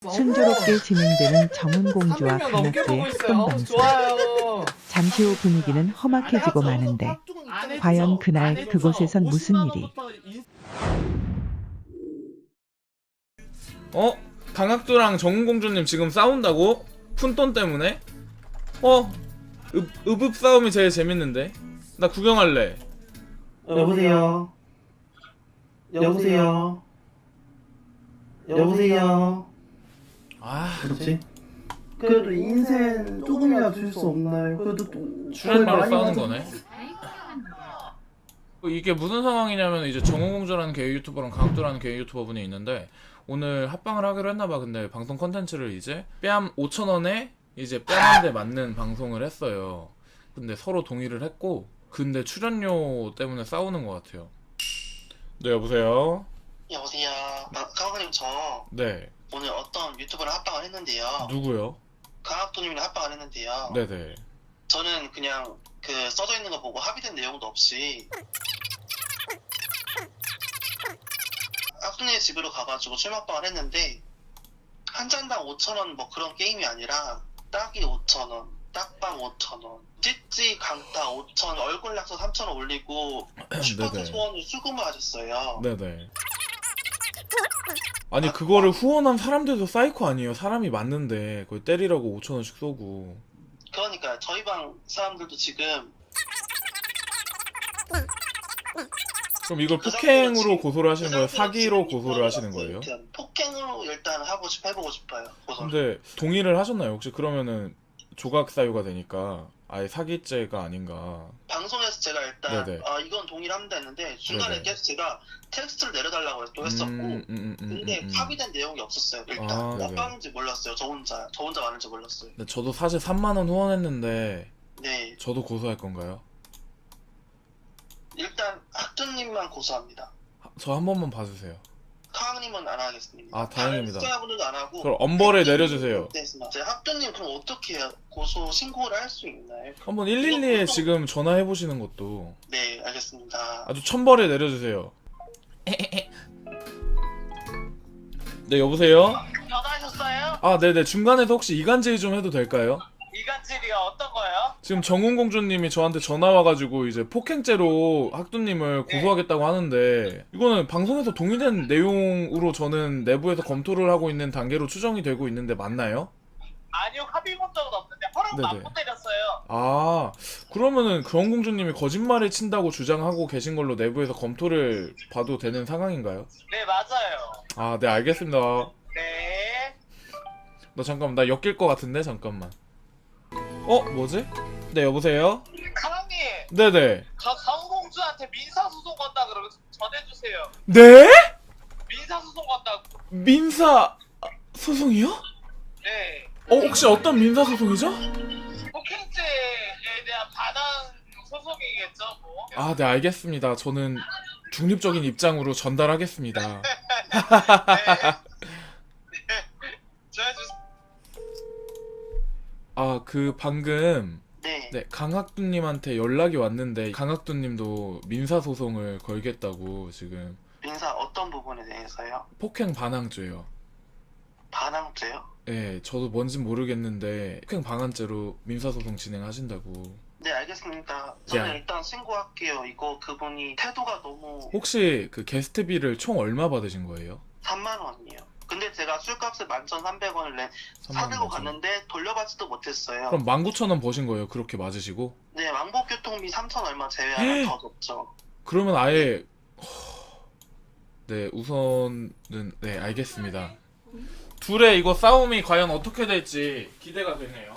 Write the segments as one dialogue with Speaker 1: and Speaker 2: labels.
Speaker 1: 순조롭게 진행되는 정은공주와
Speaker 2: 300명 넘게
Speaker 1: 강학두의
Speaker 2: 보고 있어요.
Speaker 1: 합동방송.
Speaker 2: 좋아요.
Speaker 1: 잠시 후 분위기는 험악해지고 마는데 과연 그날 그곳에선 무슨 일이?
Speaker 3: 강학두랑 정은공주님 지금 싸운다고? 푼돈 때문에? 읍읍 싸움이 제일 재밌는데? 나 구경할래.
Speaker 4: 여보세요. 여보세요. 여보세요. 그렇지? 그래도 인생 조금이라도 줄 수 없나요? 그래도 또
Speaker 3: 출연료로 싸우는 거네. 이게 무슨 상황이냐면 이제 정은공주라는 게이 유튜버랑 강학두라는 게이 유튜버분이 있는데 오늘 합방을 하기로 했나봐. 근데 방송 컨텐츠를 이제 뺨 5,000원에 이제 뺨한대 맞는 방송을 했어요. 근데 서로 동의를 했고 근데 출연료 때문에 싸우는 것 같아요. 네, 여보세요?
Speaker 5: 여보세요. 강학두님 저
Speaker 3: 네.
Speaker 5: 오늘 어떤 유튜브랑 합방을 했는데요.
Speaker 3: 누구요?
Speaker 5: 강학두님이랑 합방을 했는데요.
Speaker 3: 네네.
Speaker 5: 저는 그냥 그 써져 있는 거 보고 합의된 내용도 없이 학두님 집으로 가가지고 출마합방을 했는데 한 잔당 5,000원 뭐 그런 게임이 아니라 딱이 5,000원, 딱방 5,000원, 찌찌 강타 5,000원, 얼굴 약속 3,000원 올리고 슈퍼카
Speaker 3: 네네.
Speaker 5: 소원을 수금을 하셨어요.
Speaker 3: 네네. 아니 그거를 후원한 사람들도 사이코 아니에요? 사람이 맞는데 그걸 때리라고 5,000원씩 쏘고.
Speaker 5: 그러니까 저희 방 사람들도 지금
Speaker 3: 그럼 이걸
Speaker 5: 그
Speaker 3: 폭행으로
Speaker 5: 상태로
Speaker 3: 고소를 하시는 거예요?
Speaker 5: 그 상태로
Speaker 3: 사기로
Speaker 5: 지금
Speaker 3: 고소를 하시는 거예요?
Speaker 5: 폭행으로 일단 해보고 싶어요. 고소를.
Speaker 3: 근데 동의를 하셨나요? 혹시 그러면은 조각 사유가 되니까 아예 사기죄가 아닌가.
Speaker 5: 방송에서 제가 일단
Speaker 3: 네네.
Speaker 5: 이건 동의를 합니다 했는데 중간에
Speaker 3: 네네.
Speaker 5: 계속 제가 텍스트를 내려달라고 또 했었고 근데 합의된 내용이 없었어요. 일단
Speaker 3: 아, 네네.
Speaker 5: 어떤지 몰랐어요. 저 혼자 많은지 몰랐어요.
Speaker 3: 근데 저도 사실 3만 원 후원했는데
Speaker 5: 네,
Speaker 3: 저도 고소할 건가요?
Speaker 5: 일단 학두님만 고소합니다.
Speaker 3: 저 한 번만 봐주세요.
Speaker 5: 카왕님은 안 하겠습니다.
Speaker 3: 아, 다행입니다.
Speaker 5: 다른 시청자분들도 안 하고.
Speaker 3: 그럼 엄벌에 내려주세요.
Speaker 5: 제 학두님 그럼 어떻게 해요? 고소 신고를 할 수 있나요?
Speaker 3: 한번 112에 지금 전화해보시는 것도.
Speaker 5: 네, 알겠습니다.
Speaker 3: 아주 천벌에 내려주세요. 네, 여보세요?
Speaker 6: 전화하셨어요?
Speaker 3: 아, 네네. 중간에서 혹시 이간질 좀 해도 될까요?
Speaker 6: 이간질이요? 어떤 거요?
Speaker 3: 지금 정은공주님이 저한테 전화 와가지고 이제 폭행죄로 학두님을 고소하겠다고 하는데 이거는 방송에서 동의된 내용으로 저는 내부에서 검토를 하고 있는 단계로 추정이 되고 있는데 맞나요?
Speaker 6: 아니요, 합의 본 적은 없는데 허락도
Speaker 3: 네네.
Speaker 6: 안 때렸어요.
Speaker 3: 아, 그러면은 정은공주님이 거짓말을 친다고 주장하고 계신 걸로 내부에서 검토를 봐도 되는 상황인가요?
Speaker 6: 네, 맞아요.
Speaker 3: 아, 네, 알겠습니다.
Speaker 6: 네.
Speaker 3: 잠깐만, 나 엮일 것 같은데? 잠깐만. 뭐지? 네, 여보세요?
Speaker 6: 사장님,
Speaker 3: 네네.
Speaker 6: 저 정공주한테 민사소송 건다 그러면 전해주세요.
Speaker 3: 네?
Speaker 6: 민사소송 건다고.
Speaker 3: 민사 소송이요?
Speaker 6: 네.
Speaker 3: 혹시 어떤 민사 소송이죠?
Speaker 6: 폭행죄에 대한 반환 소송이겠죠, 뭐.
Speaker 3: 아, 네, 알겠습니다. 저는 중립적인 입장으로 전달하겠습니다.
Speaker 6: 네. 전해주세요.
Speaker 3: 아, 방금
Speaker 5: 네.
Speaker 3: 네, 강학두님한테 연락이 왔는데 강학두님도 민사 소송을 걸겠다고 지금.
Speaker 5: 민사 어떤 부분에 대해서요?
Speaker 3: 폭행 반항죄요.
Speaker 5: 반항죄요?
Speaker 3: 네, 저도 뭔진 모르겠는데 폭행 방한죄로 민사 소송 진행하신다고.
Speaker 5: 네, 알겠습니다. 저는
Speaker 3: 야.
Speaker 5: 일단 신고할게요. 이거 그분이 태도가 너무
Speaker 3: 혹시 그 게스트비를 총 얼마 받으신 거예요?
Speaker 5: 3만 원이에요. 근데 제가 술값을 11,300원을
Speaker 3: 3만
Speaker 5: 사들고
Speaker 3: 원
Speaker 5: 갔는데 돌려받지도 못했어요.
Speaker 3: 그럼 19,000원 버신 거예요? 그렇게 맞으시고?
Speaker 5: 네, 왕복교통비 3,000 얼마 제외하면 더 줬죠.
Speaker 3: 그러면 아예 네, 우선은 네, 알겠습니다. 둘의 이거 싸움이 과연 어떻게 될지 기대가 되네요.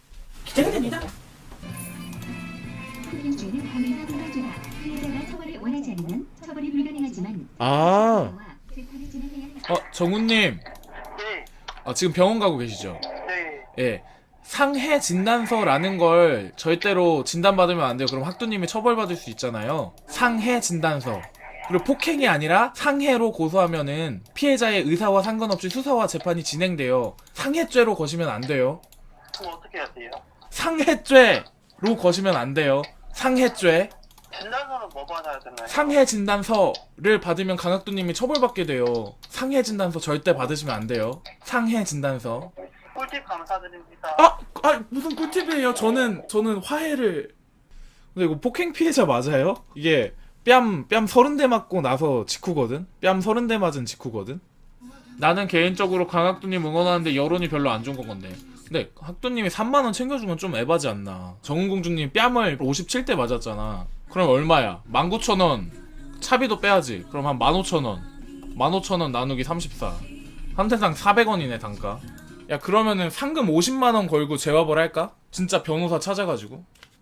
Speaker 7: 폭행죄는 범인과 불가죄다. 피해자가 처벌을 원하지 않으면 처벌이 불가능하지만
Speaker 3: 아,
Speaker 7: 재판을 진행해야 한다.
Speaker 3: 정우님.
Speaker 5: 네,
Speaker 3: 지금 병원 가고 계시죠?
Speaker 5: 네.
Speaker 3: 예. 상해 진단서라는 걸 절대로 진단받으면 안 돼요. 그럼 학두님이 처벌받을 수 있잖아요. 상해 진단서. 그리고 폭행이 아니라 상해로 고소하면은 피해자의 의사와 상관없이 수사와 재판이 진행돼요. 상해죄로 거시면 안 돼요.
Speaker 5: 그럼 어떻게 해야 돼요?
Speaker 3: 상해죄로 거시면 안 돼요. 상해죄.
Speaker 5: 진단서는 뭐 받아야 되나요?
Speaker 3: 상해 진단서를 받으면 강학도님이 처벌받게 돼요. 상해 진단서 절대 받으시면 안 돼요. 상해 진단서.
Speaker 5: 꿀팁 감사드립니다.
Speaker 3: 무슨 꿀팁이에요? 저는 화해를. 근데 이거 폭행 피해자 맞아요? 이게 뺨 30대 맞고 나서 직후거든? 뺨 30대 맞은 직후거든? 나는 개인적으로 강학도님 응원하는데 여론이 별로 안 좋은 건데. 근데 학도님이 3만원 챙겨주면 좀 에바지 않나. 정은공주님 뺨을 57대 맞았잖아. 그럼 얼마야? 19,000원. 차비도 빼야지. 그럼 한 15,000원. 15,000원 나누기 34. 한 대당 400원이네 단가. 야 그러면은 상금 50만원 걸고 재화벌 할까? 진짜 변호사 찾아가지고.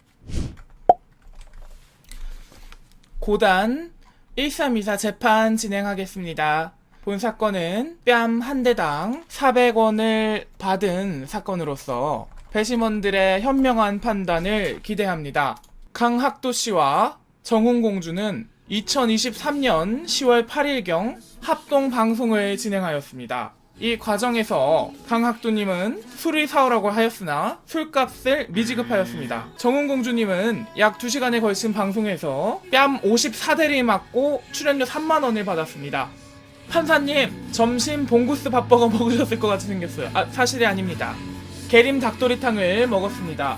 Speaker 3: 고단 1324 재판 진행하겠습니다. 본 사건은 뺨 한 대당 400원을 받은 사건으로서 배심원들의 현명한 판단을 기대합니다. 강학도 씨와 정훈공주는 2023년 10월 8일경 합동 방송을 진행하였습니다. 이 과정에서 강학도님은 술을 사오라고 하였으나 술값을 미지급하였습니다. 정훈공주님은 약 2시간에 걸친 방송에서 뺨 54대를 맞고 출연료 3만원을 받았습니다. 판사님, 점심 봉구스 밥버거 먹으셨을 것 같이 생겼어요. 사실이 아닙니다. 계림 닭도리탕을 먹었습니다.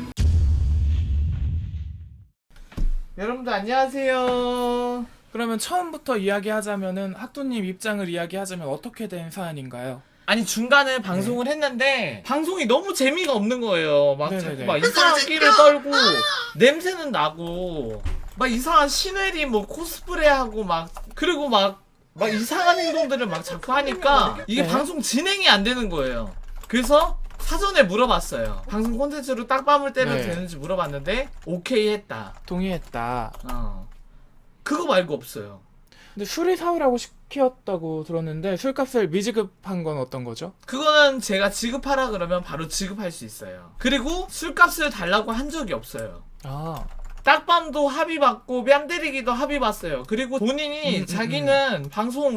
Speaker 6: 여러분들 안녕하세요.
Speaker 3: 그러면 처음부터 이야기하자면은 학도님 입장을 이야기하자면 어떻게 된 사안인가요?
Speaker 6: 아니 중간에 방송을 했는데 방송이 너무 재미가 없는 거예요. 막
Speaker 3: 네네네.
Speaker 6: 자꾸 막 이상한 끼를 떨고 냄새는 나고 막 이상한 시네리 뭐 코스프레하고 막 그리고 막 이상한 행동들을 막 자꾸 하니까 이게
Speaker 3: 네.
Speaker 6: 방송 진행이 안 되는 거예요. 그래서 사전에 물어봤어요. 방송 콘텐츠로 딱밤을 때려도
Speaker 3: 네.
Speaker 6: 되는지 물어봤는데 오케이 했다.
Speaker 3: 동의했다.
Speaker 6: 그거 말고 없어요.
Speaker 3: 근데 술을 사오라고 시켰다고 들었는데 술값을 미지급한 건 어떤 거죠?
Speaker 6: 그거는 제가 지급하라 그러면 바로 지급할 수 있어요. 그리고 술값을 달라고 한 적이 없어요. 딱밤도 합의받고 뺨 때리기도 합의받았어요. 그리고 본인이 자기는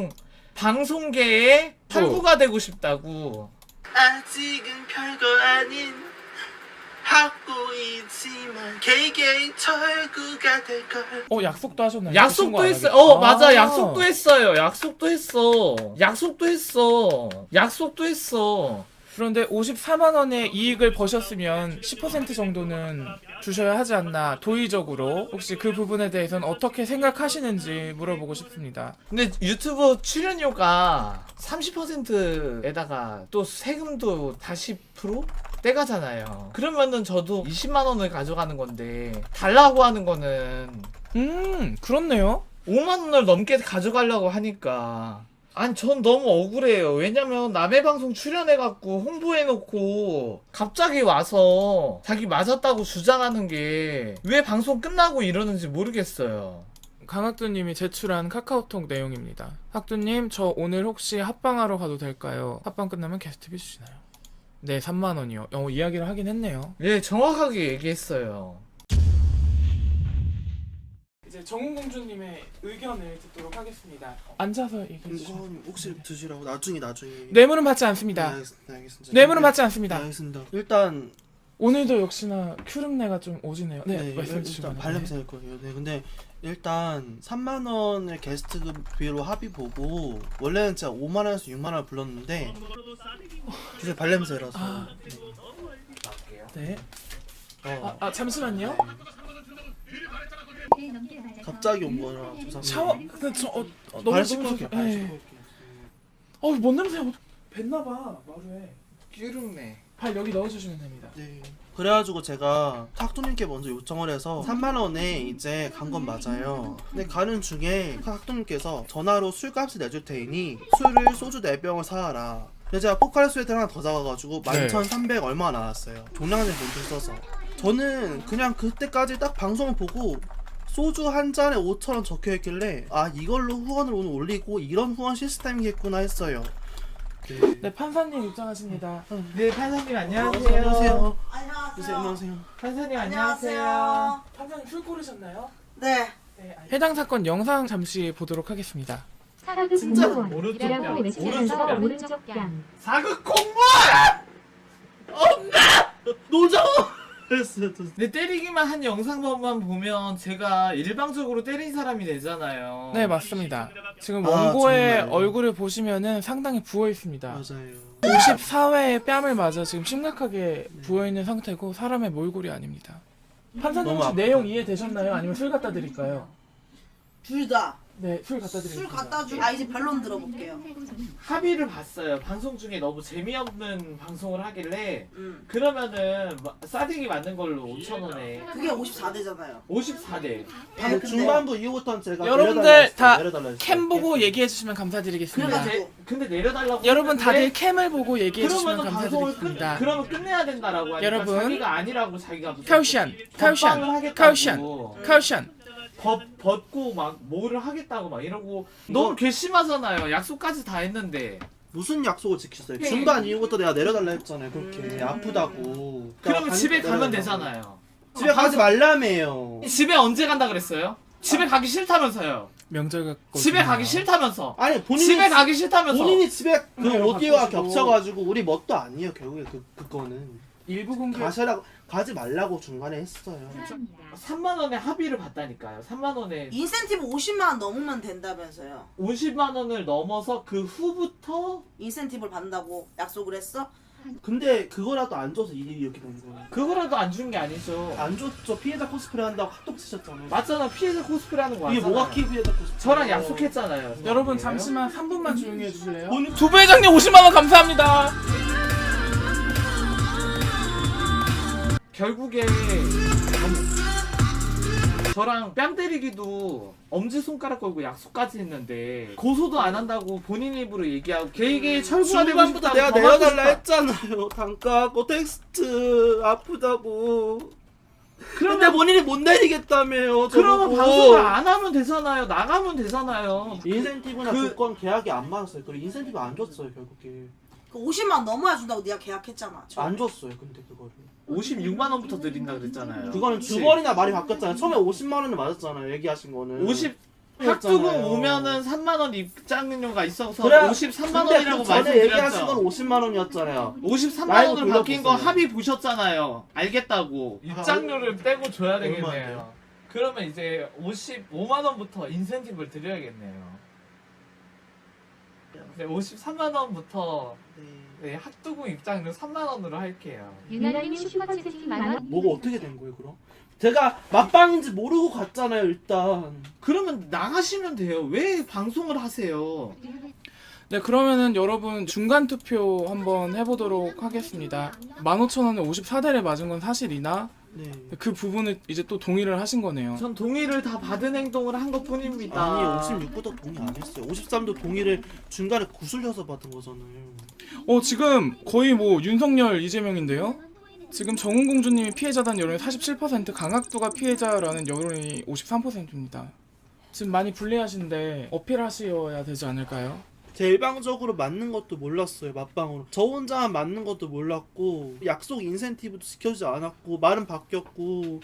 Speaker 6: 방송계의 철구가 되고 싶다고.
Speaker 4: 아직은 별거 아닌 학고이지만 개개인 철구가 될걸.
Speaker 3: 약속도 하셨나요?
Speaker 6: 약속도
Speaker 3: 그
Speaker 6: 했어요.
Speaker 3: 친구 안
Speaker 6: 맞아.
Speaker 3: 하겠다.
Speaker 6: 약속도 했어요. 약속도 했어.
Speaker 3: 그런데 54만원의 이익을 버셨으면 10% 정도는 주셔야 하지 않나. 도의적으로 혹시 그 부분에 대해서는 어떻게 생각하시는지 물어보고 싶습니다.
Speaker 6: 근데 유튜브 출연료가 30%에다가 또 세금도 40% 떼가잖아요. 그러면은 저도 20만원을 가져가는 건데 달라고 하는 거는
Speaker 3: 그렇네요.
Speaker 6: 5만원을 넘게 가져가려고 하니까 아니 전 너무 억울해요. 왜냐면 남의 방송 출연해갖고 홍보해놓고 갑자기 와서 자기 맞았다고 주장하는 게 왜 방송 끝나고 이러는지 모르겠어요.
Speaker 3: 강학두님이 제출한 카카오톡 내용입니다. 학두님, 저 오늘 혹시 합방하러 가도 될까요? 합방 끝나면 게스트비 주시나요? 네, 3만원이요. 이야기를 하긴 했네요.
Speaker 6: 예, 정확하게 얘기했어요.
Speaker 3: 이제 정훈공주님의 의견을 듣도록 하겠습니다. 앉아서 얘기해 주시면.
Speaker 4: 이건 혹시 드시라고 나중에.
Speaker 3: 뇌물은 받지 않습니다.
Speaker 4: 네, 알겠습니다.
Speaker 3: 뇌물은 받지 않습니다.
Speaker 4: 네, 알겠습니다. 일단
Speaker 3: 오늘도 역시나 큐름내가 좀 오지네요. 네, 말씀해
Speaker 4: 일단
Speaker 3: 주시면.
Speaker 4: 발냄새일 거예요. 네, 근데 일단 3만 원의 게스트비로 합의 보고 원래는 진짜 5만 원에서 6만 원을 불렀는데 진짜 발냄새라서.
Speaker 3: 네. 잠시만요.
Speaker 4: 갑자기 온 거라 죄송합니다.
Speaker 3: 샤워. 근데 너무
Speaker 4: 발 씻고 올게요. 발 씻고 올게요.
Speaker 3: 뭔 냄새야? 뱄나봐 마루에.
Speaker 6: 끼름네.
Speaker 3: 발 여기 넣어주시면 됩니다.
Speaker 4: 네. 그래가지고 제가 학도님께 먼저 요청을 해서 3만 원에 이제 간 건 맞아요. 근데 가는 중에 학도님께서 전화로 술값을 내줄 테니 술을 소주 4병을 사와라. 근데 제가 포카리 스웨트 하나 더 사와가지고 11,300 얼마 나왔어요. 종량제 돈을 써서. 저는 그냥 그때까지 딱 방송을 보고 소주 한 잔에 5,000원 적혀있길래 이걸로 후원을 오늘 올리고 이런 후원 시스템이겠구나 했어요.
Speaker 3: 네, 판사님 입장하십니다.
Speaker 6: 네, 판사님 안녕하세요.
Speaker 4: 안녕하세요.
Speaker 2: 안녕하세요.
Speaker 4: 안녕하세요.
Speaker 6: 판사님 안녕하세요.
Speaker 3: 판사님 술 고르셨나요?
Speaker 2: 네.
Speaker 3: 해당 사건 영상 잠시 보도록 하겠습니다.
Speaker 7: 사극
Speaker 6: 진짜
Speaker 7: 공무원
Speaker 6: 오른쪽
Speaker 7: 이라고
Speaker 6: 뺨,
Speaker 7: 외치면서
Speaker 6: 오른쪽 뺨.
Speaker 7: 오른쪽 뺨
Speaker 6: 사극 공무원!
Speaker 4: 노정! 그랬어요.
Speaker 6: 근데 때리기만 한 영상만 보면 제가 일방적으로 때린 사람이 되잖아요.
Speaker 2: 네, 맞습니다. 지금
Speaker 4: 아,
Speaker 2: 원고의
Speaker 4: 정말요?
Speaker 2: 얼굴을 보시면은 상당히 부어 있습니다.
Speaker 4: 맞아요.
Speaker 2: 54회에 뺨을 맞아 지금 심각하게 부어 있는 상태고 사람의 몰골이 아닙니다. 판사님
Speaker 4: 너무
Speaker 2: 혹시
Speaker 4: 아프다.
Speaker 2: 내용 이해되셨나요? 아니면 술 갖다 드릴까요?
Speaker 8: 둘 다.
Speaker 2: 네, 술 갖다
Speaker 8: 술
Speaker 2: 드리겠습니다.
Speaker 8: 갖다 주. 아 이제 변론 들어볼게요.
Speaker 6: 합의를 봤어요. 방송 중에 너무 재미없는 방송을 하길래 그러면은 싸대기 맞는 걸로 5,000원에
Speaker 8: 그게 54대잖아요.
Speaker 6: 54대.
Speaker 4: 근데 중반부 이후부터는 제가
Speaker 2: 여러분들
Speaker 4: 내려달라 했어요.
Speaker 2: 다
Speaker 4: 내려달라 했어요.
Speaker 2: 캠 보고 얘기해 주시면 감사드리겠습니다.
Speaker 6: 근데 내려달라고
Speaker 2: 여러분 다들
Speaker 6: 했는데
Speaker 2: 캠을 보고 얘기해 주시면
Speaker 6: 그러면 방송을
Speaker 2: 감사드리겠습니다.
Speaker 6: 그러면 끝내야 된다라고 하니까
Speaker 2: 여러분,
Speaker 6: 자기가 아니라고 자기가 무슨
Speaker 2: 카우션,
Speaker 6: 법방을
Speaker 2: 카우션,
Speaker 6: 하겠다고
Speaker 2: 카우션, 카우션.
Speaker 6: 법 벗고 막 뭐를 하겠다고 막 이러고 너무 괘씸하잖아요. 약속까지 다 했는데
Speaker 4: 무슨 약속을 지켰어요?
Speaker 6: 예.
Speaker 4: 중반 이후부터 내가 내려달라 했잖아요. 그렇게 아프다고.
Speaker 6: 그러면 집에 가면
Speaker 4: 내려달라고.
Speaker 6: 되잖아요.
Speaker 4: 집에 가지 말라며요.
Speaker 6: 집에 언제 간다 그랬어요? 집에 가기 싫다면서요.
Speaker 2: 명절 갖고
Speaker 6: 집에 가기 싫다면서.
Speaker 4: 아니 본인이
Speaker 6: 집에 가기 싫다면서.
Speaker 4: 본인이 집에 그
Speaker 2: 카메라
Speaker 4: 오디오가
Speaker 2: 바꾸시고.
Speaker 4: 겹쳐가지고 우리 뭣도 아니에요. 결국에 그거는
Speaker 2: 일부 공개
Speaker 4: 가지 말라고 중간에 했어요.
Speaker 6: 3만 원에 합의를 봤다니까요. 3만 원에
Speaker 8: 인센티브 50만 원 넘으면 된다면서요.
Speaker 6: 50만 원을 넘어서 그 후부터
Speaker 8: 인센티브를 받는다고 약속을 했어?
Speaker 4: 근데 그거라도 안 줘서 일이 이렇게 된 거예요.
Speaker 6: 그거라도 안 준 게 아니죠.
Speaker 4: 안 줬죠. 피해자 코스프레 한다고 핫도그 치셨잖아요.
Speaker 6: 맞잖아. 피해자 코스프레 하는 거
Speaker 4: 이게
Speaker 6: 맞잖아요.
Speaker 4: 뭐가 피해자 코스프레?
Speaker 6: 저랑 약속했잖아요.
Speaker 2: 여러분 잠시만 3분만 조용히 해주실래요?
Speaker 4: 오늘
Speaker 2: 두부회장님 50만원 감사합니다.
Speaker 6: 결국에 저랑 뺨 때리기도 엄지손가락 걸고 약속까지 했는데 고소도 안 한다고 본인 입으로 얘기하고 걔에게 철부가 되고
Speaker 4: 중반부터
Speaker 6: 싶다고
Speaker 4: 내가
Speaker 6: 더
Speaker 4: 내려달라
Speaker 6: 하고 싶다.
Speaker 4: 했잖아요. 단가고 텍스트 아프다고. 근데
Speaker 6: 그러면
Speaker 4: 본인이 못 내리겠다며요.
Speaker 6: 그러면
Speaker 4: 저보고.
Speaker 6: 방송을 안 하면 되잖아요. 나가면 되잖아요.
Speaker 4: 인센티브나
Speaker 6: 그-
Speaker 4: 조건 계약이 안 맞았어요. 그리고 인센티브 안 줬어요 결국에.
Speaker 8: 그 50만 원 넘어야 준다고 네가 계약했잖아.
Speaker 4: 안 줬어요. 근데 그거를.
Speaker 6: 56만 원부터 드린다 그랬잖아요.
Speaker 4: 그거는 두 번이나 말이 바뀌었잖아요. 처음에 50만 원을 맞았잖아요. 얘기하신 거는.
Speaker 6: 50
Speaker 4: 그랬잖아요.
Speaker 6: 학두금 오면은 3만 원 입장료가 있어서
Speaker 4: 그래,
Speaker 6: 53만
Speaker 4: 근데
Speaker 6: 원이라고
Speaker 4: 그 전에 얘기하신 건
Speaker 6: 말씀드렸죠.
Speaker 4: 50만 원이었잖아요.
Speaker 6: 53만
Speaker 4: 라이브
Speaker 6: 원으로 바뀐 거
Speaker 4: 돌려보세요.
Speaker 6: 합의 보셨잖아요. 알겠다고. 입장료를 떼고 줘야
Speaker 4: 얼마인데요?
Speaker 6: 되겠네요. 그러면 이제 55만 원부터 인센티브를 드려야겠네요. 네, 53만 원부터 네, 핫도그 입장료 3만 원으로 할게요.
Speaker 7: 유나님 슈퍼챗 만원.
Speaker 4: 뭐가 어떻게 된 거예요, 그럼? 제가 맞방인지 모르고 갔잖아요, 일단.
Speaker 6: 그러면 나가시면 돼요. 왜 방송을 하세요?
Speaker 2: 네, 그러면은 여러분 중간 투표 한번 해보도록 하겠습니다. 15,000원에 54대를 맞은 건 사실이나
Speaker 4: 네.
Speaker 2: 그 부분을 이제 또 동의를 하신 거네요.
Speaker 6: 전 동의를 다 받은 행동을 한 것 뿐입니다.
Speaker 4: 아니, 56부터 동의 안 했어요. 53도 동의를 중간에 구슬려서 받은 거잖아요.
Speaker 2: 지금 거의 뭐 윤석열 이재명인데요? 지금 정훈공주님이 피해자단 여론이 47%, 강학두가 피해자라는 여론이 53%입니다. 지금 많이 불리하신데 어필하셔야 되지 않을까요?
Speaker 4: 제 일방적으로 맞는 것도 몰랐어요, 맞방으로. 저 혼자만 맞는 것도 몰랐고, 약속 인센티브도 지켜주지 않았고, 말은 바뀌었고.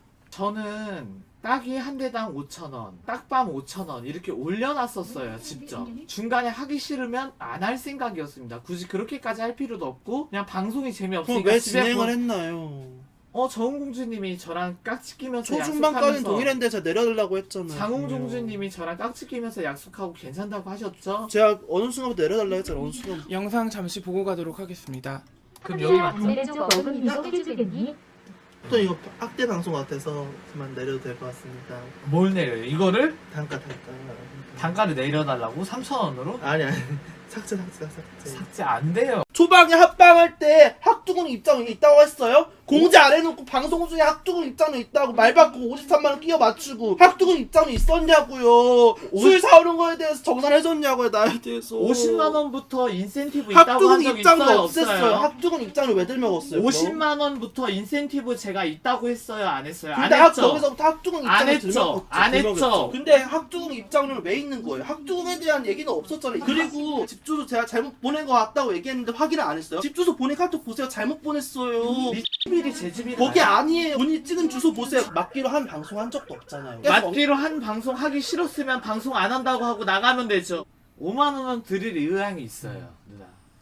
Speaker 6: 저는 딱이 한 대당 5,000원, 딱밤 5,000원 이렇게 올려놨었어요, 직접. 중간에 하기 싫으면 안 할 생각이었습니다. 굳이 그렇게까지 할 필요도 없고 그냥 방송이
Speaker 4: 그럼
Speaker 6: 재미없으니까
Speaker 4: 왜
Speaker 6: 집에
Speaker 4: 진행을 했나요?
Speaker 6: 정웅공주님이 저랑 깍지 끼면서
Speaker 4: 초중반까지는
Speaker 6: 약속하면서
Speaker 4: 동일했는데 제가 내려달라고 했잖아요.
Speaker 6: 장홍종주님이 저랑 깍지 끼면서 약속하고 괜찮다고 하셨죠?
Speaker 4: 제가 어느 순간부터 내려달라 했잖아요, 어느 순간.
Speaker 2: 영상 잠시 보고 가도록 하겠습니다.
Speaker 6: 그럼 여기 맞죠?
Speaker 7: 왼쪽 어금 이거 해주겠니?
Speaker 4: 또 이거 학대 방송 같아서 그만 내려도 될 것 같습니다.
Speaker 6: 뭘 내려요? 이거를?
Speaker 4: 단가.
Speaker 6: 단가를 내려달라고? 3,000원으로?
Speaker 4: 아니. 삭제.
Speaker 6: 삭제 안 돼요.
Speaker 4: 초반에 합방할 때 학두군 입장이 있다고 했어요? 공지 안 해놓고 방송 중에 학두군 입장이 있다고 말 바꾸고 53만 원 끼워 맞추고 학두군 입장이 있었냐고요. 술 사오는 거에 대해서 정산해줬냐고요, 나에 대해서.
Speaker 6: 50만 원부터 인센티브 있다고
Speaker 4: 학두군
Speaker 6: 한 적
Speaker 4: 입장을
Speaker 6: 있어요?
Speaker 4: 없앴어요.
Speaker 6: 없어요?
Speaker 4: 학두군 입장을 왜 들먹었어요?
Speaker 6: 50만 원부터 인센티브 제가 있다고 했어요? 안 했어요? 안
Speaker 4: 근데
Speaker 6: 했죠?
Speaker 4: 거기서부터 학두군
Speaker 6: 안
Speaker 4: 입장을
Speaker 6: 했죠.
Speaker 4: 들먹었죠.
Speaker 6: 안 했죠.
Speaker 4: 근데 학두군 입장료는 왜 있는 거예요? 학두군에 대한 얘기는 없었잖아요. 그리고 집 주소 제가 잘못 보낸 거 같다고 얘기했는데 확인을 안 했어요. 집 주소 보낸 카톡 보세요. 잘못 보냈어요.
Speaker 6: 미밀이 제 집이
Speaker 4: 거기 아니에요. 본인이 찍은 주소 보세요. 맞기로 한 방송 한 적도 없잖아요.
Speaker 6: 맞기로 한 방송 하기 싫었으면 방송 안 한다고 하고 나가면 되죠. 5만 원은 드릴 의향이 있어요, 누나.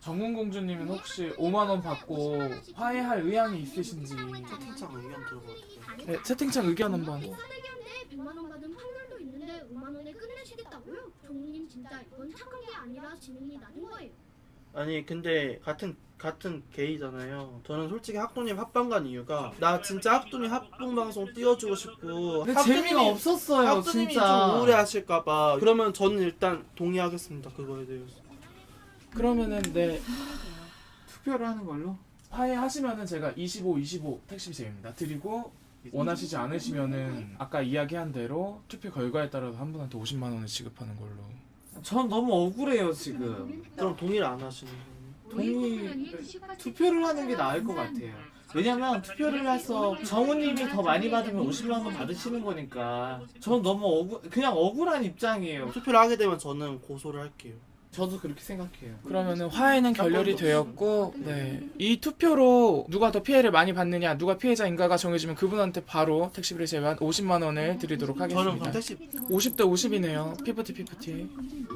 Speaker 2: 정훈공주님은 혹시 5만 원 받고 화해할 의향이 있으신지
Speaker 4: 채팅창 의견 들어봐도 돼요?
Speaker 2: 네, 채팅창 의견 한번.
Speaker 9: 100만 원 받은 확률도 있는데 5만 원에 끝내시겠다고요? 정우님 진짜 이건 착한 게 아니라 지능이 낮은 거예요.
Speaker 4: 아니 근데 같은 게이잖아요. 저는 솔직히 학도님 합방 간 이유가 나 진짜 학도님 합동 방송 띄워주고 싶고
Speaker 6: 근데 재미가 없었어요
Speaker 4: 학도님이
Speaker 6: 진짜.
Speaker 4: 좀 우울해하실까봐. 그러면 저는 일단 동의하겠습니다. 그거에 대해서.
Speaker 2: 그러면은 네
Speaker 6: 투표를 하는 걸로.
Speaker 2: 화해하시면은 제가 25 택시비 제입니다. 드리고 원하시지 않으시면은 아까 이야기한 대로 투표 결과에 따라서 한 분한테 50만 원을 지급하는 걸로.
Speaker 6: 전 너무 억울해요 지금.
Speaker 4: 그럼 동의를 안 하시는 거예요?
Speaker 6: 투표를 하는 게 나을 것 같아요. 왜냐면 투표를 해서 정우님이 더 많이 받으면 50만 원 받으시는 거니까. 전 너무 그냥 억울한 입장이에요.
Speaker 4: 투표를 하게 되면 저는 고소를 할게요.
Speaker 6: 저도 그렇게 생각해요.
Speaker 2: 그러면은 화해는 결렬이 되었고, 네. 이 투표로 누가 더 피해를 많이 받느냐, 누가 피해자인가가 정해지면 그분한테 바로 택시비를 제외한 50만 원을 드리도록
Speaker 4: 저는
Speaker 2: 하겠습니다.
Speaker 4: 그럼 택시
Speaker 2: 50대 50이네요. 피프티.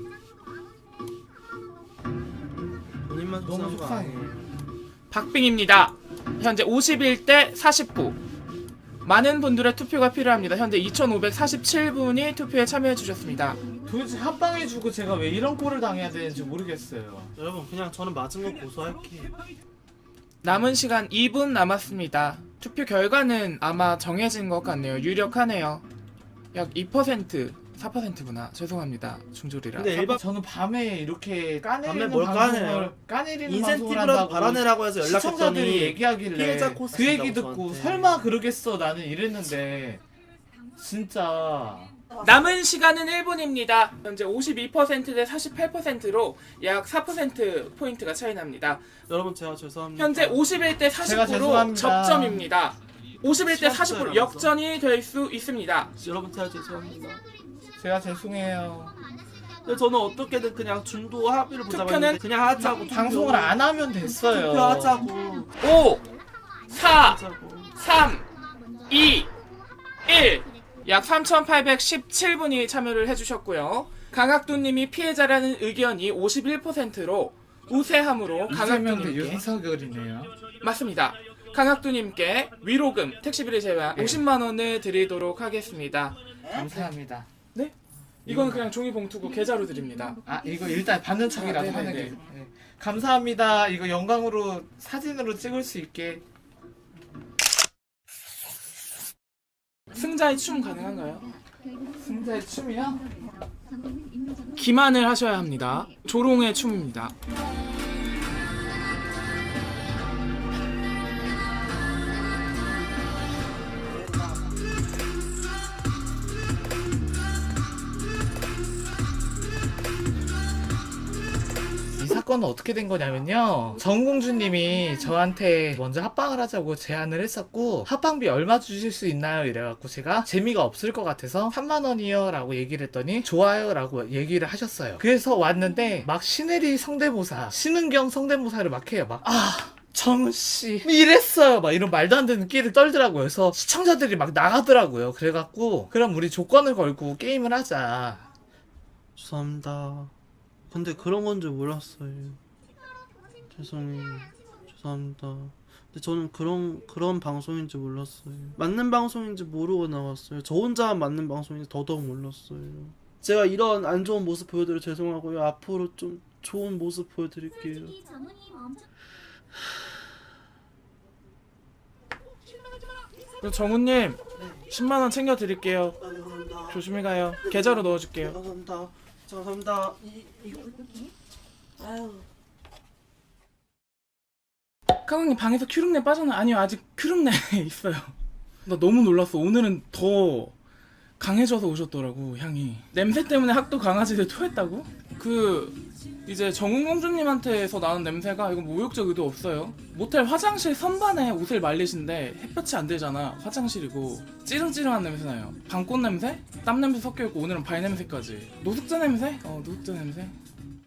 Speaker 4: 본인만
Speaker 6: 너무
Speaker 4: 속상한 거
Speaker 6: 속상해요.
Speaker 4: 아니에요?
Speaker 2: 박빙입니다. 현재 51대 49. 많은 분들의 투표가 필요합니다. 현재 2,547분이 투표에 참여해 주셨습니다.
Speaker 6: 도대체 합방해주고 제가 왜 이런 꼴을 당해야 되는지 모르겠어요.
Speaker 4: 여러분 그냥 저는 맞은 거 고소할게요.
Speaker 2: 남은 시간 2분 남았습니다. 투표 결과는 아마 정해진 것 같네요. 유력하네요. 약 2%, 4%구나. 죄송합니다. 중졸이라.
Speaker 4: 근데 일반
Speaker 6: 저는 밤에 이렇게
Speaker 4: 밤에
Speaker 6: 까내리는
Speaker 4: 뭘
Speaker 6: 방송을 까내리는 방송을
Speaker 4: 인센티브라도
Speaker 6: 한다고
Speaker 4: 받아내라고 해서
Speaker 6: 시청자들이
Speaker 4: 연락했더니
Speaker 6: 얘기하길래
Speaker 4: 피해자 코스
Speaker 6: 그 얘기
Speaker 4: 준다고
Speaker 6: 듣고
Speaker 4: 저한테.
Speaker 6: 설마 그러겠어 나는 이랬는데 진짜
Speaker 2: 남은 시간은 1분입니다. 현재 52%대 48%로 약 4%포인트가 차이 납니다.
Speaker 4: 여러분 제가 죄송합니다.
Speaker 2: 현재 51대
Speaker 6: 제가
Speaker 2: 49로
Speaker 6: 죄송합니다.
Speaker 2: 접점입니다. 51대 49로
Speaker 4: 시간차라면서.
Speaker 2: 역전이 될 수 있습니다.
Speaker 4: 여러분 제가 죄송합니다.
Speaker 6: 제가 죄송해요.
Speaker 4: 근데 저는 어떻게든 그냥 중도 합의를 보자고
Speaker 2: 투표는
Speaker 4: 했는데 그냥 하자고
Speaker 6: 방송을 안 하면 됐어요.
Speaker 4: 투표하자고
Speaker 2: 5, 4,
Speaker 4: 하자고.
Speaker 2: 3, 2, 1. 약 3,817분이 참여를 해주셨고요. 강학도님이 피해자라는 의견이 51%로 우세함으로
Speaker 6: 이재명 대
Speaker 2: 강학도님께
Speaker 6: 윤석열이네요.
Speaker 2: 맞습니다. 강학도님께 위로금 택시비를 제외한 50만 원을 드리도록 하겠습니다.
Speaker 6: 감사합니다.
Speaker 2: 네? 이건 그냥 종이 봉투고 계좌로 드립니다.
Speaker 6: 아 이거 일단 받는 척이라도
Speaker 2: 아,
Speaker 6: 하는
Speaker 2: 네네네.
Speaker 6: 게 네. 감사합니다. 이거 영광으로 사진으로 찍을 수 있게.
Speaker 2: 승자의 춤 가능한가요?
Speaker 6: 승자의 춤이요?
Speaker 2: 기만을 하셔야 합니다. 조롱의 춤입니다.
Speaker 6: 이 사건은 어떻게 된 거냐면요. 정공주님이 저한테 먼저 합방을 하자고 제안을 했었고 합방비 얼마 주실 수 있나요? 이래갖고 제가 재미가 없을 것 같아서 3만 원이요 라고 얘기를 했더니 좋아요 라고 얘기를 하셨어요. 그래서 왔는데 막 신혜리 성대모사 신은경 성대모사를 막 해요. 막 정우씨 이랬어요 막 이런 말도 안 되는 끼를 떨더라고요. 그래서 시청자들이 막 나가더라고요. 그래갖고 그럼 우리 조건을 걸고 게임을 하자.
Speaker 4: 죄송합니다. 근데 그런 건 줄 몰랐어요. 죄송해요. 죄송합니다. 근데 저는 그런 방송인 줄 몰랐어요. 맞는 방송인지 모르고 나왔어요. 저 혼자만 맞는 방송인지 더더욱 몰랐어요. 제가 이런 안 좋은 모습 보여드려 죄송하고요. 앞으로 좀 좋은 모습 보여드릴게요.
Speaker 2: 정우님 10만 원 챙겨 드릴게요.
Speaker 4: 아, 네, 감사합니다.
Speaker 2: 조심히 가요. 계좌로 넣어줄게요.
Speaker 4: 감사합니다. 감사합니다. 아유.
Speaker 2: 카강님 방에서 큐룩내 빠졌나? 아니요, 아직 큐룩내 있어요. 나 너무 놀랐어. 오늘은 더 강해져서 오셨더라고, 향이. 냄새 때문에 학도 강아지들 토했다고? 이제 정은공주님한테서 나는 냄새가 이거 모욕적 의도 없어요. 모텔 화장실 선반에 옷을 말리신데 햇볕이 안 되잖아. 화장실이고 찌릉찌릉한 냄새 나요. 방꽃 냄새? 땀 냄새 섞여있고 오늘은 발 냄새까지. 노숙자 냄새? 노숙자 냄새.